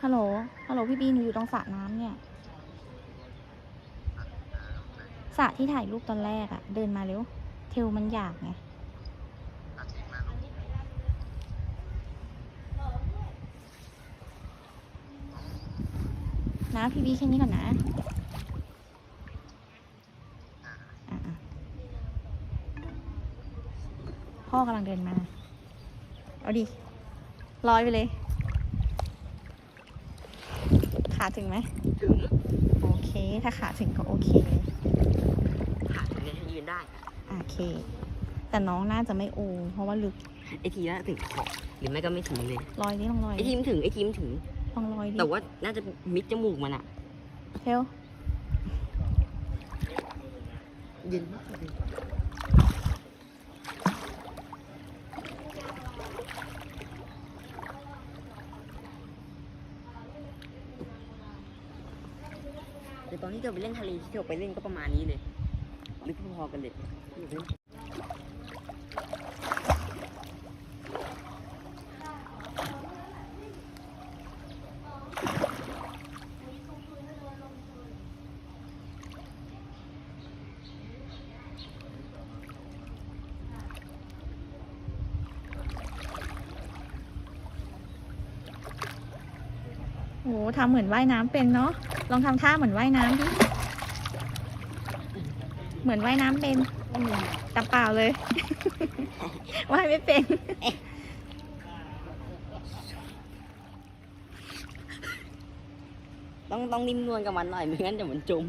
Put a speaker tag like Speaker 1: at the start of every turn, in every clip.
Speaker 1: ฮัลโหล ฮัลโหลพี่บีหนูอยู่ตรงสระน้ำเนี่ยสระที่ถ่ายรูปตอนแรกอะเดินมาเร็ว เทลมันอยากไงนะพี่บีแค่นี้ก่อนนะพ่อกำลังเดินมา เอาดิลอยไปเลย ขาถึงไหม
Speaker 2: ถึง
Speaker 1: โอเค ถ้าขาถึงก็โอเค
Speaker 2: ขาถึงเนี่ยยืนได้
Speaker 1: โอเค แต่น้องน่าจะไม่โอเพราะว่าลึก
Speaker 2: ไอทีน่าถึงขอบหรือไม่ก็ไม่ถึงเลย
Speaker 1: ลอยดิลองลอย
Speaker 2: ไอทีมถึง
Speaker 1: ลองลอยดิ
Speaker 2: แต่ว่าน่าจะมิดจมูกมันอะ
Speaker 1: เทล
Speaker 2: เย็นมากเลยแต่ตอนที่เธอไปเล่นทะเลที่เธอไปเล่นก็ประมาณนี้เลยลึกพอๆกันเลย
Speaker 1: โหทำเหมือนว่ายน้ำเป็นเนาะลองทำท่าเหมือนว่ายน้ำดิเหมือนว่ายน้ำเป็นแต่เปล่าเลย ว่ายไม่เป็น
Speaker 2: ต้องนิ่มนวลกับมันหน่อยไม่งั้นเดี๋ยวมันจม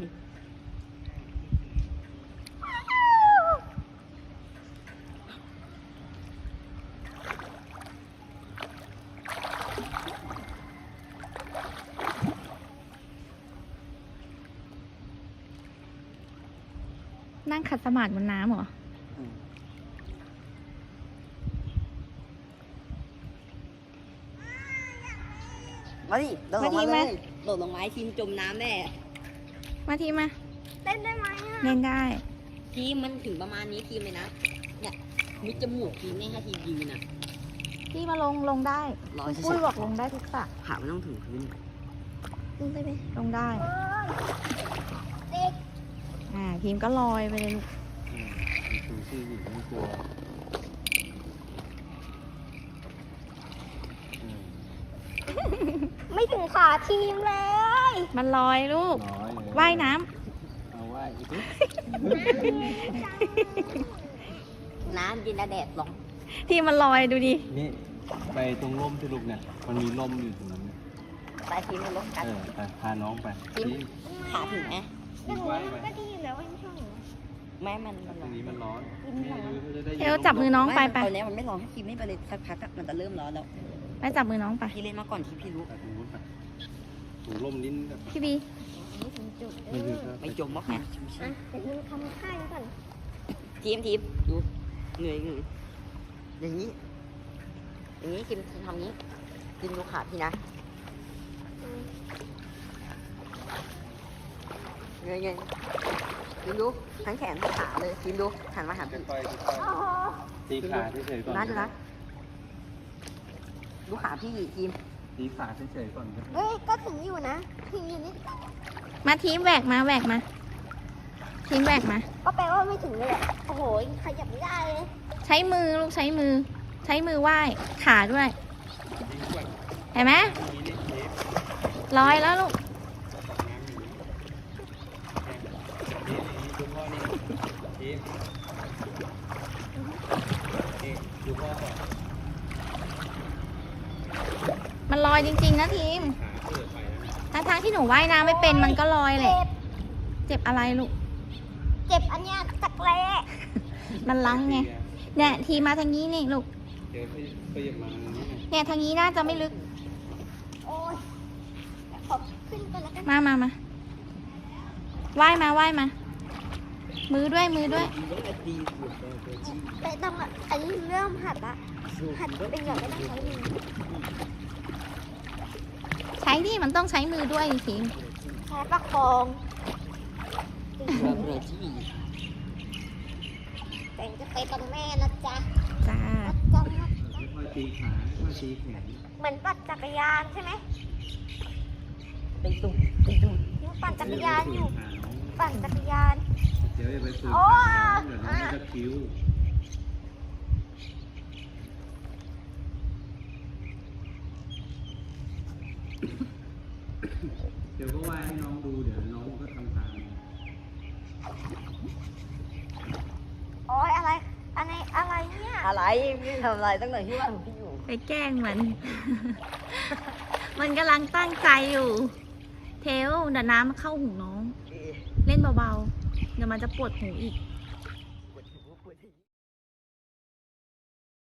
Speaker 1: นั่งขัดสมาธิบนน้ำเหรอ
Speaker 2: มาดิโดดลงมาเลยโดดลงมาทีมจมน้ำแน่
Speaker 1: มาทีมา
Speaker 3: เล่นได้ไหม
Speaker 1: เล่นได้
Speaker 2: ทีมมันถึงประมาณนี้ทีมเลยนะเนี่ยมิดจมูกทีมเนี่ยให้ทีมยืนนะ
Speaker 1: พี่มาลงได้ปุ้ยบอกลงได้ทุกสระ
Speaker 2: ขาไม่ต้องถึงพื้น
Speaker 1: ลงได้ไหมลงได้ทีมก็ลอยไปเลย
Speaker 4: ถึงที่อยู่ไม่กลัว
Speaker 3: ไม่ถึงขาทีมเลย
Speaker 1: มันลอยลูกว่ายน้
Speaker 4: ำเอาว่าย
Speaker 2: น้ำเย็นแดดร้อน
Speaker 1: ทีมมันลอยดูดิ
Speaker 4: นี่ไปตรงร่มที่ลูกเนี่ยมันมีร่มอยู่ตรงนั้น
Speaker 2: ไปทีมมันลงกัน
Speaker 4: ไปพาน้องไป
Speaker 2: ขาถึงไหม
Speaker 3: ก็ดีแล้วไม่ช่อง
Speaker 2: แม่มัน
Speaker 4: ตรงนี้มันร้อน
Speaker 1: เทลจับมือน้องไป
Speaker 2: ตอนนี้มันไม่ร้อนให้ทีมไม่ไปเลยสักพักมันจะเริ่มร้อนแล้ว
Speaker 1: ไปจับมือน้องไป
Speaker 2: พี่เล่นมาก่อนที่พี่รู้
Speaker 4: ถูร่มลิ้น
Speaker 1: พี่บี
Speaker 2: ไม่จมมากนะ
Speaker 3: แต่มึงทำค่ายก่อน
Speaker 2: ทีมดูเหนื่อยอย่างนี้ทีมทำนี้ทีมดูขาพี่นะเงยทีมดูทั้งแขนทั้งขาเลยทีมดูหันมาหาพี่
Speaker 4: ตีขาเฉยๆก่อน
Speaker 2: นะดูขาพี่ทีม
Speaker 4: ตีขาเฉยๆก่อน
Speaker 3: เฮ้ยก็ถึงอยู่นะทีมอยู่นี่
Speaker 1: มาทีมแหวกมาทีมแหวกมา
Speaker 3: ก็แปลว่าไม่ถึงเลยอ่ะโอ้โหขยับไม่ได้เลย
Speaker 1: ใช้มือลูกใช้มือว่ายขาด้วยเห็นไหมลอยแล้วลูกมันลอยจริงๆนะทีมทั้งที่หนูว่ายน้ำไม่เป็นมันก็ลอยเลยเจ็บอะไรลูก
Speaker 3: เจ็บอันเนี้ยจักแร้
Speaker 1: มันลังไงเนี่ยทีมาทางนี้นี่ลูกเนี่ยทางนี้น่าจะไม่ลึก
Speaker 3: โอ้ยขอขึ้นก่อนแล้วกัน
Speaker 1: มาว่ายมามือด้วย
Speaker 3: แต่ต้องอันนี้เริ่มหัดเป็นอย่างไม่ต้องใช้มือ
Speaker 1: ใช้ที่มันต้องใช้มือด้วยทีม
Speaker 3: ใช้ประคองแต่จะไปกับแม่นะจ๊ะ
Speaker 1: จ้า
Speaker 4: ตีขาค่อยตีแขน
Speaker 3: เหมือนปั่นจักรยานใช่ไหม
Speaker 2: ตีตุ้มตีตุ้ม
Speaker 3: ยังปั่นจักรยานอยู่ ปั่นจักรยาน
Speaker 4: เดี๋ยวอย่าไปฝืน
Speaker 3: โอ้
Speaker 4: ขาเดี๋ยวน้องก็จะคิ้ว เดี๋ยวก็ว่ายให้น้องดู เดี๋ยวน้องก็ทำตาม
Speaker 3: โอ้ยอะไรเนี่ย
Speaker 2: อะไรพี่ทำอะไรตั้งแต่ที่ว่าพี่อยู่
Speaker 1: ไปแกล้งมัน มันกำลังตั้งใจอยู่ เทลเดี๋ยวน้ำมันเข้าหูน้อง เล่นเบาๆ เดี๋ยวมันจะปวดหูอีก
Speaker 2: เ